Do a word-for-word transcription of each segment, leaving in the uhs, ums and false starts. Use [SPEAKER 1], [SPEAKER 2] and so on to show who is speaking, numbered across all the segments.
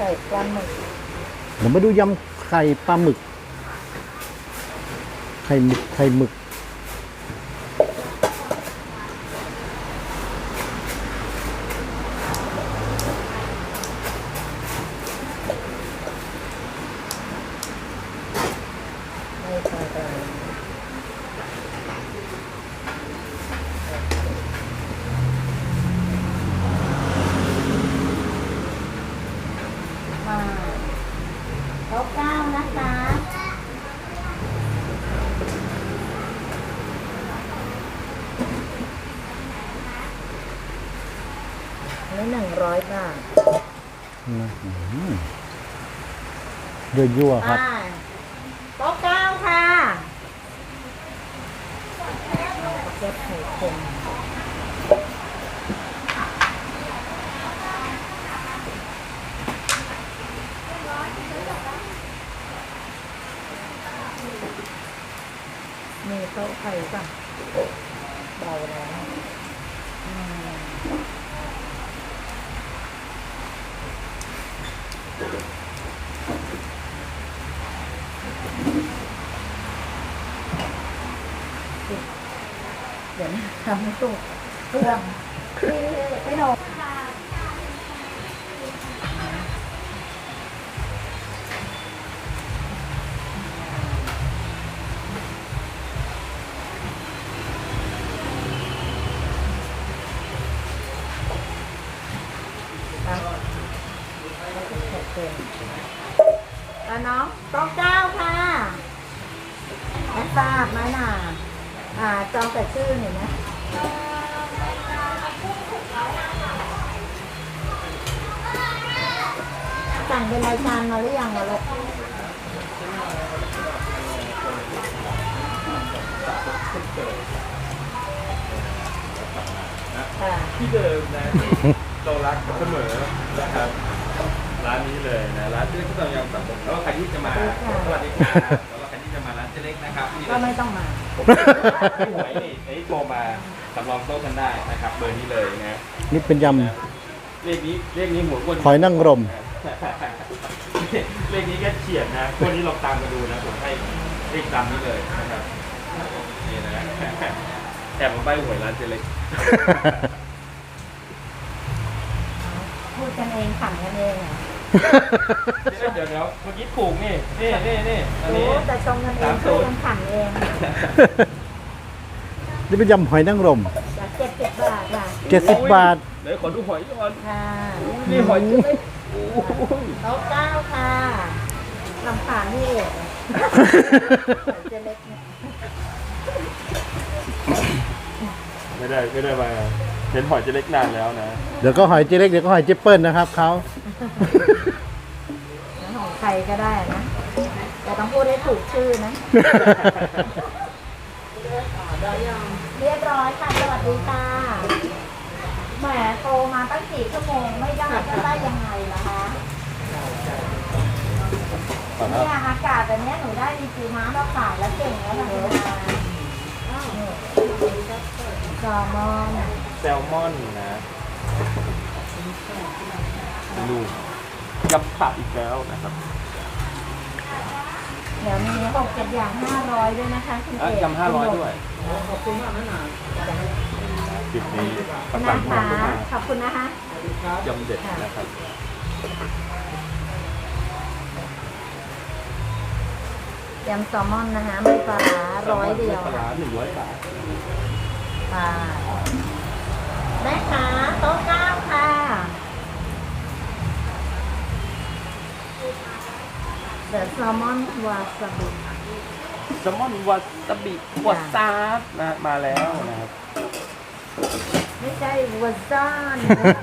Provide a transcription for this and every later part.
[SPEAKER 1] ข่ปลาหมึก
[SPEAKER 2] เดี๋ยวมาดูยำไข่ปลาหมึกไข่หมึกไข่หมึก
[SPEAKER 1] โต๊ะเก้านะคะนี่หนึ่งร้อยบาท
[SPEAKER 2] ยั่วๆครับ
[SPEAKER 1] โต๊ะเก้าค่ะเก็บไข่เค็มมีโต๊ะไข่ป่ะเบาแล้วเดี๋ยวนะทำไม่ถูกเครื่องไม่หนกแล้วน้องโต๊ะเก้าค่ะแม่ทราบไหมน่ะอ่าจองแต่ชื่อหน่อยนะสั่งเป็นรายการมาหรือยังวะลูก
[SPEAKER 3] ที่เดิมนะเรารักเสมอนะครับร้านนี้เลยนะร้านเจ๊เล็กที่เรายังสับสนแล้วใครที่จะมาสวัสดีครับแล้วใครที่จะมาร้านเจ๊เล็กนะครับ
[SPEAKER 1] ก็ไม่ต้องมา
[SPEAKER 3] พี่หวยนี่ไอ้โทรมาสำรองโต๊ะกันได้นะครับเบอร์นี้เลยนะ
[SPEAKER 2] นี่เป็นย
[SPEAKER 3] ำเลขนี้เลขนี้หมูอ้วน
[SPEAKER 2] หอยนางรม
[SPEAKER 3] เลขนี้ก็เฉียดนะวันนี้ลองตามมาดูนะผมให้เลขตามนี้เลยนะครับนี่นะแอบมาใบหวยร้านเจ๊เล็ก
[SPEAKER 1] พูดกันเองขำกันเองอ่ะ
[SPEAKER 3] เดี๋ยวเดี๋ยวเมื่อกี้ถูกนี่นี่นี่นี่อันนี้
[SPEAKER 1] แต่ชมกันเองพูดกันขำเอง
[SPEAKER 2] นี่เป็นยำหอยนางรม
[SPEAKER 1] เจ็ดสิบบาทค่ะ
[SPEAKER 2] เจ็ดสิบบาท
[SPEAKER 3] เดี๋ยวขอดูหอยก่อน
[SPEAKER 1] ค่ะ
[SPEAKER 3] นี่หอยเจ๊เล็ก
[SPEAKER 1] โต๊ะเก้าค่ะลำผ่านนี่เองเจ๊เล็ก
[SPEAKER 3] ไม่ได้ไม่ได้มาเห็นหอยเจ๊เล็กนานแล้วนะ
[SPEAKER 2] เดี๋ยวก็หอยเจ๊เล็กเดี๋ยวก็หอยเจ๊เปิ้ลนะครับเขา
[SPEAKER 1] ของใครก็ได้นะแต่ต้องพูดให้ถูกชื่อนะเรียบร้อยค่ะสวัสดีค่ะแหมโตมาตั้งสี่ชั่วโมงไม่ได้จะได้ยังไงล่ะคะเนี่ยอากาศแบบนี้หนูได้ดีจีม้ามาขายแล้วเก่งแล้วนะแซลมอน
[SPEAKER 3] แซลมอนนะดูยำผักอีกแล้วนะครับ
[SPEAKER 1] เดี๋ยวมีหกเจ็ดอย่างห้าร้อยด้วยนะคะคุณเอก
[SPEAKER 3] ยำห้าร้อยด้วยขอบคุณมากนะนาคลิปนี้ประกาศมา
[SPEAKER 1] ขอบคุณนะคะ
[SPEAKER 3] ยำเด็ดนะครับ
[SPEAKER 1] ยำแซลมอนนะคะไม่ปลาร้อยเดียว
[SPEAKER 3] ปลาหนึ่งร้อยบาท
[SPEAKER 1] ปลาแม่ค้าโต๊ะเก้าค่ะเดอะแซลมอนวาซาบิ
[SPEAKER 3] แซลมอนวาซาบิวาซาบนะมาแล้วนะครับ
[SPEAKER 1] ไม่ใช่วาซาน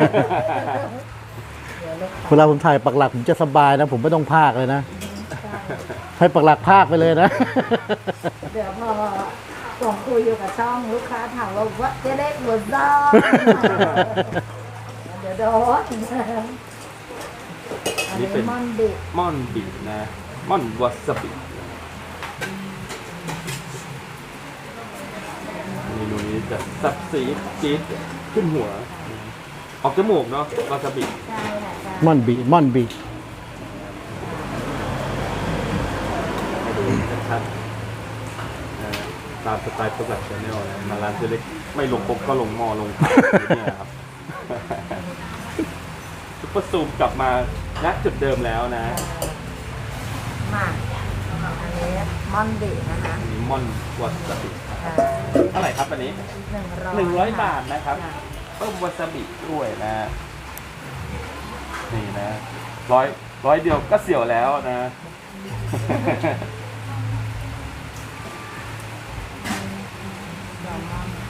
[SPEAKER 2] เวลาผมถ่ายปักหลักผมจะสบายนะผมไม่ต้องพากเลยนะให้ปักหลักพากไปเลยนะ
[SPEAKER 1] เดี๋ยวพอส่งคุยอยู่กับช่องลูกค้าถามว่าว่าเจ๊เล็กวาซานเดี๋ยวโดน
[SPEAKER 3] นี่เป็น
[SPEAKER 1] ม่อนบิ
[SPEAKER 3] ม่อนบินะม่อนวาซาบิเมนูนี้จะซับซีดจี๊ดขึ้นหัวออกจมูกเนาะวาซาบิ
[SPEAKER 1] ใช่ค่ะ
[SPEAKER 2] ม่อนบิม่อนบิ
[SPEAKER 3] ชัดๆนะตามสไตล์ปักหลักชาแนลนะมาร้านเจเล็กไม่ลงปกก็ลงหม้อลงผักเนี่ยครับซุปเปอร์ซูมกลับมาณจุดเดิมแล้วนะ
[SPEAKER 1] มาอันนี้มอนดินะคะ
[SPEAKER 3] อันนี้มอนวาซาบิ
[SPEAKER 1] อ่า
[SPEAKER 3] เท่าไหร่ครับอันนี้
[SPEAKER 1] หนึ่งร้อย
[SPEAKER 3] หนึ่งร้อยบาทนะครับ
[SPEAKER 1] จ้
[SPEAKER 3] เพิ่มวาซาบิด้วยนะนี่นะร้อยร้อยเดียวก็เสียวแล้วนะ
[SPEAKER 1] แซลมอน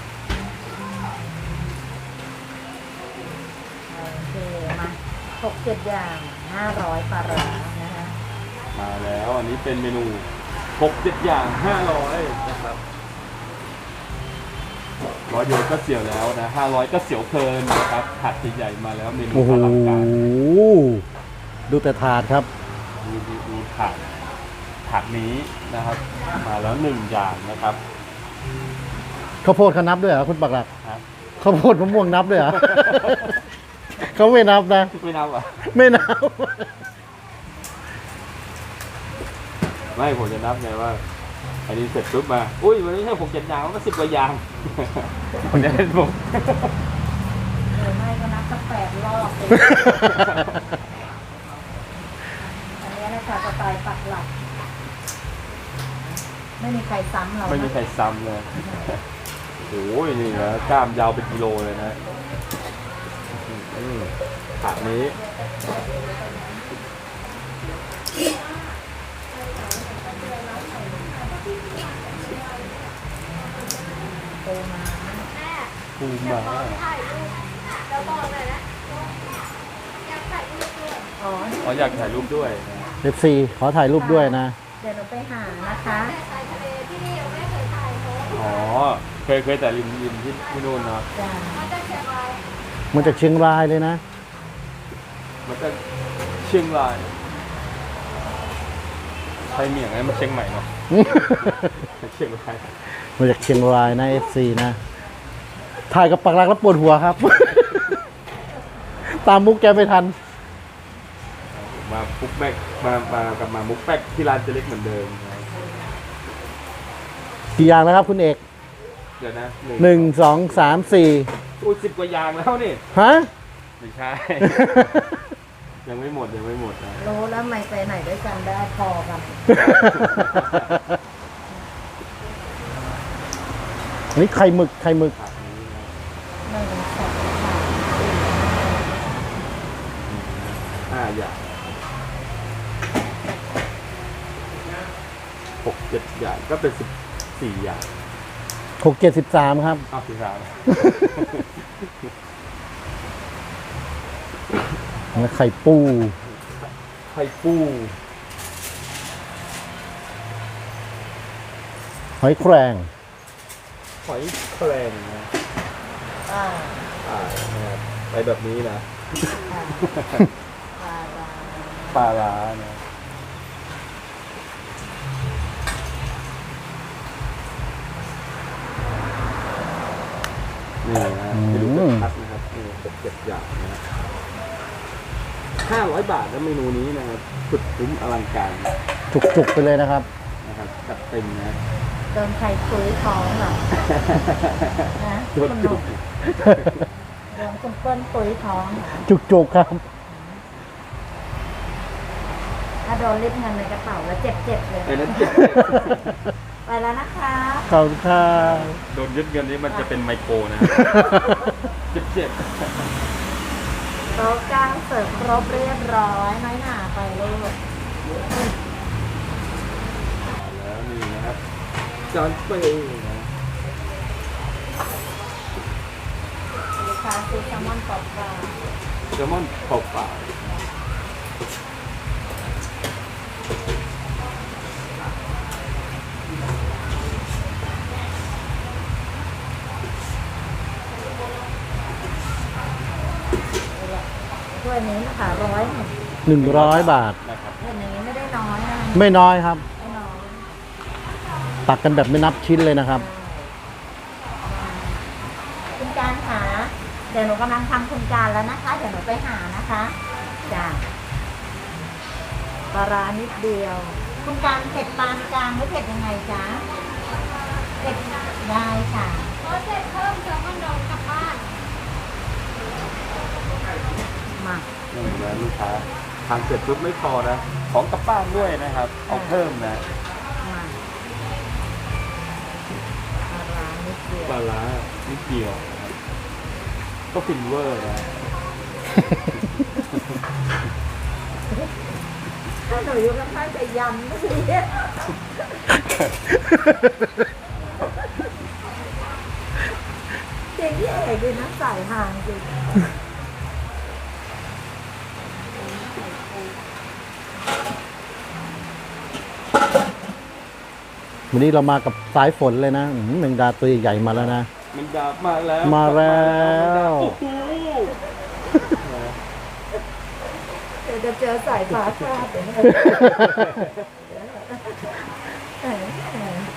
[SPEAKER 1] โอเคมาหกเจ็ดอย่างห้าร้อยปลาร้านะคะ
[SPEAKER 3] มาแล้วอันนี้เป็นเมนูหกเจ็ดอย่างห้าร้อยนะครับร้อยเดียวก็เสียวแล้วนะห้าร้อยก็เสียวเพลินนะครับถาดใหญ่ๆมาแล้วเมนู
[SPEAKER 2] โอ้โห
[SPEAKER 3] อลังการ
[SPEAKER 2] ดูแต่ถาดครับ
[SPEAKER 3] ดูดูดูถาดถาดนี้นะครับ มาแล้วหนึ่งอย่างนะครับ
[SPEAKER 2] ข้าวโพดเขานับด้วยเหรอคุณปักหลัก
[SPEAKER 3] ฮะ
[SPEAKER 2] ข้าวโพดมะม่วงนับด้วยเหรอ เขาไม่นับนะ
[SPEAKER 3] ไม่นับเหรอ่ะ
[SPEAKER 2] ไม่นับ
[SPEAKER 3] ไม่ผมจะนับไงว่าอันนี้เสร็จปุ๊บมาอุ้ยมันไม่ใช่หกเจ็ดอย่างมันก็สิบกว่าอย่าง ผมจะเล่นผม
[SPEAKER 1] หรือไม่ก็นับสักแปดรอบเลยอันนี้นะคะสไตล์ปักหลัก ไม่มีใครซ้ำเรานะ
[SPEAKER 3] ไม่มีใครซ้ำเลยโอ้ยนี่นะกล้ามยาวเป็นกิโลเลยนะอืมถาดนี้
[SPEAKER 1] โตมา
[SPEAKER 3] ปูมา
[SPEAKER 1] อ๋อ
[SPEAKER 3] อ๋ออยากถ่ายรูปด้วยนะ
[SPEAKER 2] เอฟซีขอถ่ายรูปด้วยนะ
[SPEAKER 1] เดี๋ยวหนูไปหานะคะ
[SPEAKER 3] อ๋อเคยเคยแต่ริมริมที่ที่นู่นเนาะ
[SPEAKER 1] จ้า
[SPEAKER 2] มาจากเชียงรายเลยนะ
[SPEAKER 3] มันก็เชียงรายไทยเมียงไงมันเชียงใหม่เนาะเชียงราย
[SPEAKER 2] มาจากเชียงรายนะเอฟซีนะ ถ่ายกับปักหลักแล้วปวดหัวครับ ตามมุกแกไม่ทัน
[SPEAKER 3] มามุกแป๊กมามากับมามุกแป๊กที่ร้านเจเล็กเหมือนเดิมนะ
[SPEAKER 2] กี่อย่างนะครับคุณเอก
[SPEAKER 3] เดี๋ยวนะ
[SPEAKER 2] หนึ่งสองสามสี่
[SPEAKER 3] อุ้ยสิบกว่าอย่างแล้วนี่
[SPEAKER 2] ฮะ
[SPEAKER 3] ไม่ใช่ ยังไม่หมดยังไม่หมดนะ
[SPEAKER 1] รู้แล้วไม่ไปไหนด้วยกันได้พอกัน
[SPEAKER 2] นี่ไข่หมึกไข่หมึก
[SPEAKER 3] ถาดนี้นะ
[SPEAKER 1] หนึ่งสองสาม
[SPEAKER 3] ห้าอย่างหกเจ็ดอย่างก็เป็นสิบสี่อย่าง
[SPEAKER 2] หกเจ็ดสิบสามครับ
[SPEAKER 3] อ้าวสิบสาม
[SPEAKER 2] แล้วไข่ปู
[SPEAKER 3] ไข่ปู
[SPEAKER 2] หอยแครง
[SPEAKER 3] หอยแครงนะ
[SPEAKER 1] อ่า
[SPEAKER 3] อ่านะครับไปแบบนี้นะ
[SPEAKER 1] อ่าปลาร้า
[SPEAKER 3] ปลาร้านะนี่นะให้ดูชัดๆนะครับนี่หกเจ็ดอย่างนะห้าร้อยบาทแล้วเมนูนี้นะครับสุดคุ้มอลังการ
[SPEAKER 2] จุกๆไปเลยนะครับ
[SPEAKER 3] นะครับจัดเต็มนะ
[SPEAKER 1] เติมไข่คุยท้องเหรอนะ
[SPEAKER 3] จุ
[SPEAKER 1] คุ
[SPEAKER 3] ก
[SPEAKER 1] ณห
[SPEAKER 3] จุ
[SPEAKER 1] นุ่
[SPEAKER 3] ก
[SPEAKER 1] มโดนคุณเปิ้ลคุยท้องเหรอ
[SPEAKER 2] จุกๆครับ
[SPEAKER 1] ถ้าโดนริบเงินในกระเป๋าแล้วเจ็บๆเลย
[SPEAKER 3] ไอ้นั้นเจ็บ
[SPEAKER 1] ไปแล้วนะคะ
[SPEAKER 2] ขอบคุณครับ
[SPEAKER 3] โดนยึดเงินนี้มันจะเป็นไมโครนะเจ็บเจ็บ
[SPEAKER 1] โต๊ะกลางเสิร์ฟครบเรียบร้อยน้อยหนาไปลูก
[SPEAKER 3] แล้วนี่นะครับจอนเปย์นะ
[SPEAKER 1] ลูกค้าซื้อแซลมอนกรอบกลาง
[SPEAKER 3] แซลมอนเปล่า
[SPEAKER 1] ถ้วยนี้นะคะร้อยหนึ่ง
[SPEAKER 2] หนึ่งร้อยบาท
[SPEAKER 3] ๆนะครับ
[SPEAKER 1] ถ้วยนี้ไม่ได้น้อยนะ
[SPEAKER 2] ไม่น้อยครับ
[SPEAKER 1] ไม่น้อย
[SPEAKER 2] ตักกันแบบไม่นับชิ้นเลยนะครับ
[SPEAKER 1] คุณการค่ะเดี๋ยวหนูกำลังทำคุณการแล้วนะคะ เดี๋ยวหนูไปหานะคะจ้ะปลาร้านิดเดียวคุณการเผ็ดปานกลางหรือเผ็ดยังไงจ๊ะเผ็ดได้ค่ะ
[SPEAKER 4] ขอเสร็จเพิ่มแซลมอนดองกลับบ้าน
[SPEAKER 1] มา
[SPEAKER 3] นี่นะลูกค้าทานเสร็จปุ๊บไม่พอนะ ของกลับบ้านด้วยนะครับ เอาเพิ่มนะ
[SPEAKER 1] มาปลาร้านิดเดียว
[SPEAKER 3] ปลาร้านิดเดียวนะครับก็ฟินเวอร์นะ
[SPEAKER 1] ถ้าหนูอยู่ข้างๆจะยำไม่ดีจริงที่เอกดีนะสายห่างจริง
[SPEAKER 2] วันนี้เรามากับสายฝนเลยนะอื้อหือแมงดาตัวใหญ่ๆมาแล้วนะ
[SPEAKER 3] มันดาบมาแล้ว
[SPEAKER 2] มาแล้ว
[SPEAKER 3] โอ้โห
[SPEAKER 1] เดี๋ยวจะเจอสายฟ้าฟาดเดี๋ยวนะเออเออ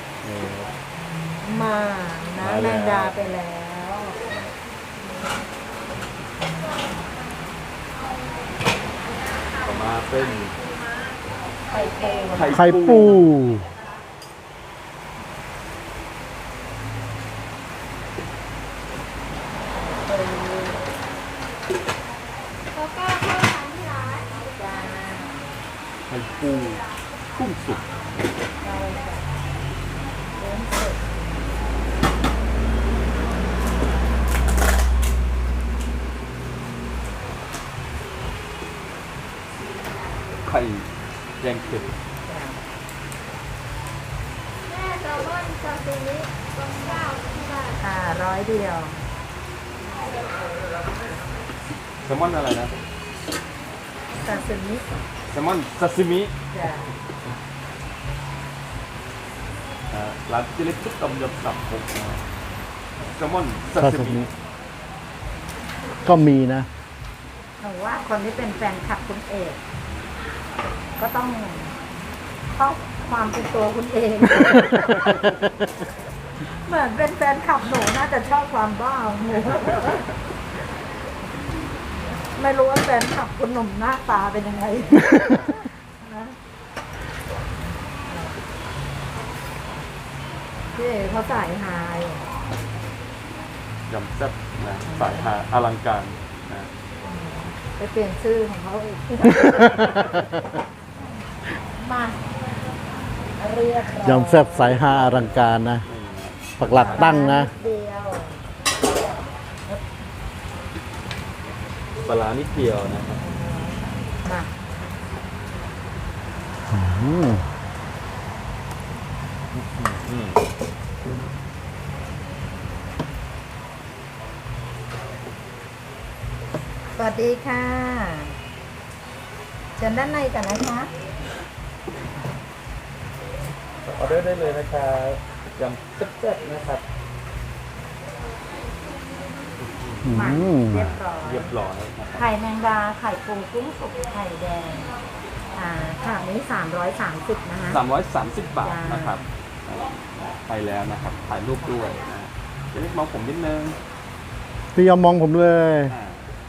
[SPEAKER 1] มานะแมงดาไปแล้ว
[SPEAKER 3] ต่อมาเป็น
[SPEAKER 1] ไข่ปู
[SPEAKER 2] ไข่ปู
[SPEAKER 4] แล้วก็เพิ่มทานที่ร้าน
[SPEAKER 1] จ้า
[SPEAKER 3] ไข่ปูกุ้งสุก
[SPEAKER 1] ได้จ้ะเริ่มเสร็จ
[SPEAKER 3] ไข่แยงเผ็ด
[SPEAKER 1] จ้ะ
[SPEAKER 4] แม่แซลมอนซาซิมิต้มข้าวที่บ้าน
[SPEAKER 1] อ่าร้อยเดียว
[SPEAKER 3] แซลมอนอะไรนะ
[SPEAKER 1] ซาซิมิ
[SPEAKER 3] แซลมอนซาซิมิ
[SPEAKER 1] จ้ะ
[SPEAKER 3] อ่าร้านเจเล็กชุดต้มยำสับหกนะแซลมอนซา
[SPEAKER 2] ซา
[SPEAKER 3] ซิ
[SPEAKER 2] ซิ
[SPEAKER 3] มิ
[SPEAKER 2] มิก็มีนะ
[SPEAKER 1] หนูว่าคนที่เป็นแฟนคลับคุณเอก ก็ต้องเข้าความเป็นตัวคุณเอง เหมือนเป็นแฟนคลับหนูน่าจะชอบความบ้าของหนู ไม่รู้ว่าแฟนคลับคุณหนุ่มหน้าตาเป็นยังไง นะพี่เอกเขาสายฮาย
[SPEAKER 3] ยำแซ่บนะสายฮาอลังการนะ
[SPEAKER 1] ไปเปลี่ยนชื่อของเขาอีก มาเรียบร้อย
[SPEAKER 2] ยำแซ่บสายฮาอลังการนะ
[SPEAKER 3] นี่นะ
[SPEAKER 2] ปักหลักตั้งนะ
[SPEAKER 1] เดียว
[SPEAKER 3] ปลาร้านิดเดียวนะครับ
[SPEAKER 1] มา
[SPEAKER 2] อืม
[SPEAKER 3] อืม
[SPEAKER 1] สวัสดีค่ะเชิญด้านในกันนะคะ
[SPEAKER 3] ออเดอร์ได้เลยนะครับยำแซ่บๆนะครับ
[SPEAKER 2] อื
[SPEAKER 1] มาม เรียบร้อย
[SPEAKER 3] เรียบร้อยนะครับ
[SPEAKER 1] ไข่แมงดา ไข่ปูกุ้งสุกไข่แดง อ่าค่ะนี้สามร้อยสามสิบนะคะ
[SPEAKER 3] สามร้อยสามสิบบาท
[SPEAKER 1] จ้าน
[SPEAKER 3] นะครับไปแล้วนะครับถ่ายรูปด้วยนะเจะเล็กมองผมนิดนึง
[SPEAKER 2] พี่ยอมมองผมเลย
[SPEAKER 3] อ่า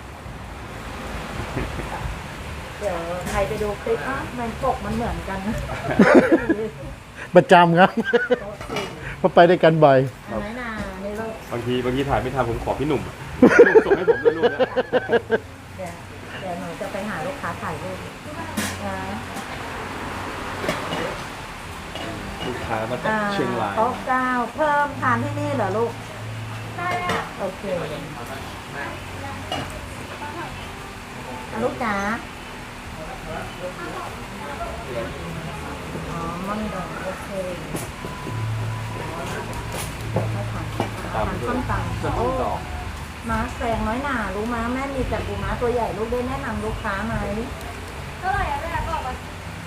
[SPEAKER 1] เดี๋ยวใครไปดูคลิปอ่ะมันปกมันเหมือนกันนะ
[SPEAKER 2] ประจำครับ เพราะไปด้วยกันบ่อย
[SPEAKER 1] อันไหนนานี่ลูก
[SPEAKER 3] บางทีบางทีถ่ายไม่ทันผมขอพี่หนุ่มอะลูกส่งให้ผมด้วยรูปเนี้ย
[SPEAKER 1] เดี๋ยวเดี๋ยวหนูจะไปหาลูกค้าถ่ายรูปนะ
[SPEAKER 3] ลูกค้ามาจาก
[SPEAKER 1] อ่า
[SPEAKER 3] เชียงราย
[SPEAKER 1] โต๊ะเก้าเพิ่มทานที่นี่เหรอลูก
[SPEAKER 4] ได้อ่ะ
[SPEAKER 1] โอเคอ่ะลูกจ๋าอ๋อมันดองโอเคให้ทาน
[SPEAKER 3] ตาม
[SPEAKER 1] ทาน
[SPEAKER 3] ด้ว
[SPEAKER 1] ส้
[SPEAKER 3] ย
[SPEAKER 1] มต
[SPEAKER 3] ส
[SPEAKER 1] ำ
[SPEAKER 3] มุนดอก
[SPEAKER 1] ม้าแซงน้อยหนารู้ม้าแม่มีแต่ปูม้าตัวใหญ่ลูกได้แนะนำลูกค้าไหม
[SPEAKER 4] เท่าไหร่อ่ะแม่บอกว่า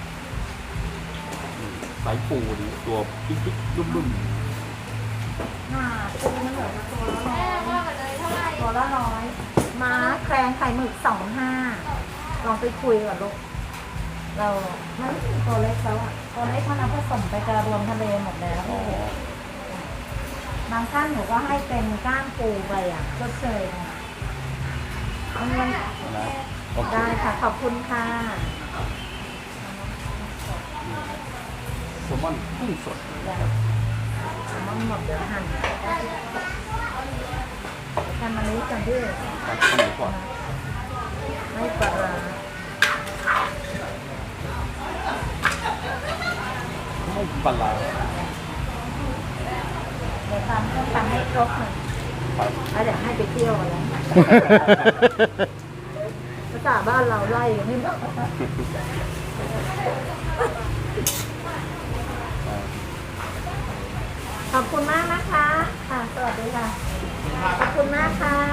[SPEAKER 3] อืมสายปูดีตัวปิ๊กปิ๊กรุ่มรุ่ม
[SPEAKER 1] หน้าปูมันเหลือตัวละร้
[SPEAKER 4] แม่
[SPEAKER 1] อย
[SPEAKER 4] ว่ากันเลยเท่าไหร่
[SPEAKER 1] ตัวละร้อยม้าแครงไข่หมึกสองห้าลองไปคุยกับลูกเราไม่ตัวเล็กแล้วอ่ะตัวเล็กมันเอาผสมไปกระรวมทะเลหมดแล้ว
[SPEAKER 3] อ๋อบ
[SPEAKER 1] างท่านหนูก็ให้เป็นก้ามปูไปอ่ะก็เชยนะมันมัน
[SPEAKER 3] นะโอเค
[SPEAKER 1] ได้ค่ะ ขอบคุณค่ะ
[SPEAKER 3] แซลมอนกุ้งสด
[SPEAKER 1] มันหมดเดี๋ยวหั่นทำอันนี้กันด้วย
[SPEAKER 3] ตัดข้าวหมูก่อน
[SPEAKER 1] ไม่ปลาร้า
[SPEAKER 3] ไม่ปลาร้า
[SPEAKER 1] เดี๋ยวทำต้องทำให้ครบหน่อย
[SPEAKER 3] ครับ
[SPEAKER 1] แล้วเดี๋ยวให้ไปเที่ยวกันแล้วภาษาบ้านเราไล่กันไม่หมดขอบคุณมากนะคะ ค่ะ สวัสดีค่ะ ขอบคุณมากค่ะ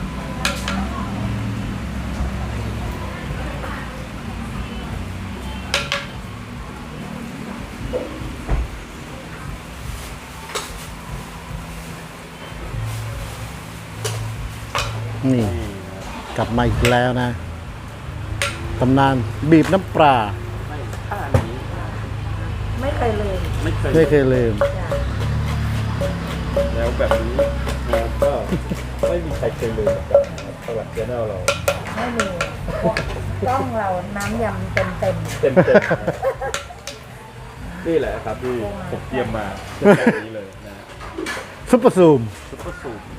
[SPEAKER 2] นี่
[SPEAKER 3] นี่นะ
[SPEAKER 2] กลับมาอีกแล้วนะตำนานบีบน้ำปลา
[SPEAKER 3] ไม่ท่านี้
[SPEAKER 1] ไม่เคยลืม
[SPEAKER 3] ไม่เคย
[SPEAKER 2] ไม่เคยลืม
[SPEAKER 1] จ้ะ
[SPEAKER 3] แล้วแบบนี้นะก็ไม่มีใครเคยเลยนะครับสวัสดีแนลเรา
[SPEAKER 1] ไม่มีกล้องเราน้ำยำเต็มเต็ม
[SPEAKER 3] เต็มเต็มนะนี่แหละครับที่ผมเตรียมมาเรื่องแบบนี้เลยนะ
[SPEAKER 2] ซุปเปอร์ซูม
[SPEAKER 3] ซุปเปอร์สูม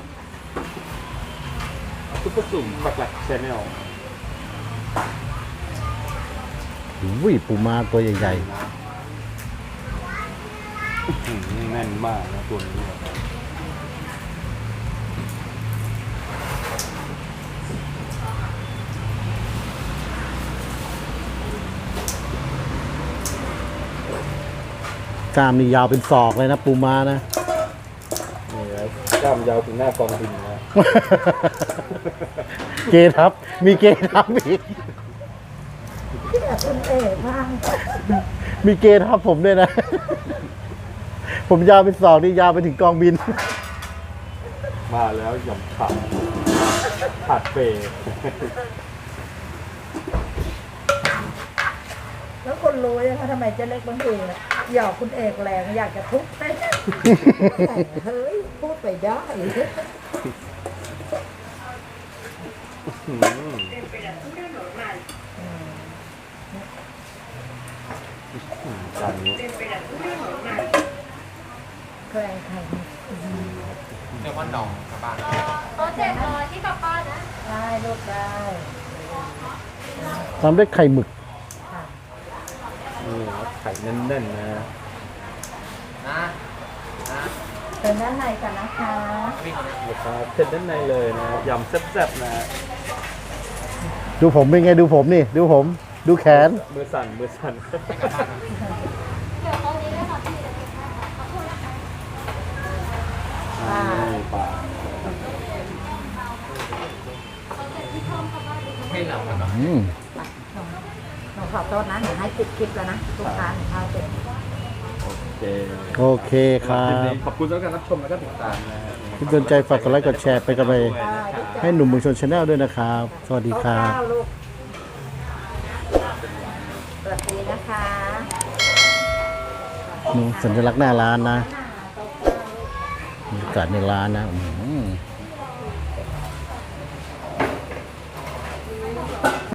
[SPEAKER 3] ซุปเปอร์สูมปักหลักชแนล
[SPEAKER 2] วิปูมาตัวใหญ่
[SPEAKER 3] แน่นมากนะตัวนี้ครับ
[SPEAKER 2] ๆกล้ามนี่ยาวเป็นศอกเลยนะปูมานะ
[SPEAKER 3] นี่ครับกล้ามยาวถึงหน้ากองบินนะ
[SPEAKER 2] เกทับ มีเกทับอีก
[SPEAKER 1] ที่แบบคุณเอกมาก
[SPEAKER 2] มีเกทับผมด้วยนะ ผมยาวเป็นศอกนี่ยาวไปถึงกองบิน
[SPEAKER 3] มาแล้วหย่อมขาดขาดเปย์
[SPEAKER 1] แล้วคนรู้ยังคะทำไมเจ๊เล็กบางทีอะหยอกคุณเอกแรงอยากจะทุบแต่เฮ้ย พูดไปได้
[SPEAKER 3] อืมจานนี้
[SPEAKER 1] แกรงไข่
[SPEAKER 5] เรียกว่าหนองกลับบ้าน
[SPEAKER 4] โต๊ะเจ็ดร้อยที่กลับบ้านนะ
[SPEAKER 1] ได้ลูกได้
[SPEAKER 2] ตามด้วยไข่หมึก
[SPEAKER 1] ค่ะ
[SPEAKER 3] นี่ครับไข่แน่นๆนะ
[SPEAKER 5] นะนะ
[SPEAKER 1] เป็นด้านในกันนะคะ
[SPEAKER 5] พี่คนนี้
[SPEAKER 3] ลูกค้าเผ็ดด้านในเลยนะยำแซ่บๆนะ
[SPEAKER 2] ดูผมเป็นไงดูผมนี่ ดูผม ดูแขน
[SPEAKER 3] มือสั่นมือสั่น
[SPEAKER 4] เดี๋ยวตรงนี้เลยค่ะพี่เดี๋ยวเก็บให้ค่ะขอบคุณนะคะ
[SPEAKER 3] อ่านี่ปลา
[SPEAKER 5] ให้เรากันเนาะ
[SPEAKER 2] อืม
[SPEAKER 1] หนูขอโทษนะหนูให้ปิดคลิปแล้วนะลูกค้าหนูเข้าเสร็จ
[SPEAKER 3] โอเค
[SPEAKER 2] โอเคครั
[SPEAKER 3] สำห
[SPEAKER 2] บ
[SPEAKER 3] ลิปนี้ขอบคุณสำหรับการรับชมและก็ติดตามนะฮะ
[SPEAKER 2] ที่สนใจฝากกดไลค์กดแชร์เป็นกำลังใจให้หนุ่มเมืองชนชาแนลด้วยนะครับ สวัสดีครับ
[SPEAKER 1] โต๊ะเก้าลูกสวัสดีนะคะ
[SPEAKER 2] นี่สัญลักษณ์หน้าร้านนะ
[SPEAKER 1] โต๊ะเก้าลูก
[SPEAKER 2] บรรยากาศในร้านนะอืม